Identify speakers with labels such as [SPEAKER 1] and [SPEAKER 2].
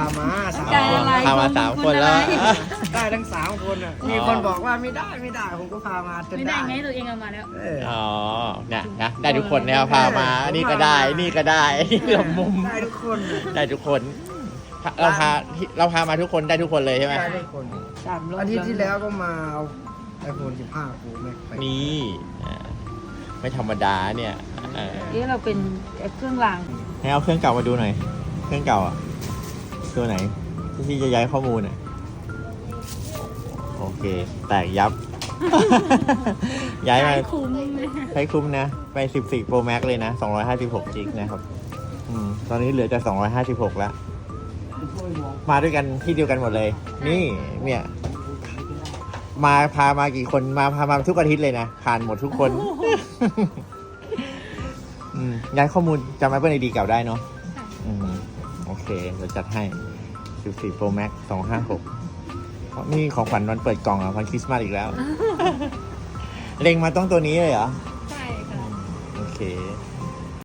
[SPEAKER 1] มาสาม
[SPEAKER 2] ใจ
[SPEAKER 1] คน
[SPEAKER 2] อะไร
[SPEAKER 3] พามา3 คนแล้ว
[SPEAKER 1] ได้ทั้ง3 คนอ่ะมีคนบอกว่าไม่ได้ผมก็พามาจน
[SPEAKER 2] ไม่ได้
[SPEAKER 1] ได้
[SPEAKER 2] ไงตัวเองเอามาแล้ว
[SPEAKER 3] อ๋อเนี่ยนะได้ทุกคนเนี่ยพามานี่ก็ได้นี่ก็ได้นี่หลบมุม
[SPEAKER 1] ได้ทุกคนอะ
[SPEAKER 3] ได้ทุกคนเราพามาทุกคนได้ทุกคนเลยใช่ไหม
[SPEAKER 1] ได้ทุกคนอาทิตย์ที่แล้วก็มาเอาiPhone 15 Pro Max ไป
[SPEAKER 3] นี่ไม่ธรรมดาเนี่ยเออ
[SPEAKER 2] นี่เราเป็นเครื่องราง
[SPEAKER 3] ให้เอาเครื่องเก่ามาดูหน่อย เครื่องเก่าอ่ะตัวไหนที่จะย้ายข้อมูลอ่ะโอเค แตกยับ ย้ายมา
[SPEAKER 2] คุ้มเลย
[SPEAKER 3] ใช้คุ้มนะไป14 Pro Max เลยนะ256 จิกนะครับตอนนี้เหลือแต่256แล้วมาด้วยกันที่เดียวกันหมดเลย นี่เนี่ยพามากี่คนพามาทุกอาทิตย์เลยนะผ่านหมดทุกคน ย้ายข้อมูลจำ Apple ID เก่าได้เนาะโอเคเราจัดให้14 Pro Max 256นี่ของขวัญวันเปิดกล่องอ่ะวันคริสต์มาสอีกแล้ว เล็งมาต้องตัวนี้เลยเหรอ
[SPEAKER 2] ใช่ค่ะ
[SPEAKER 3] โอเค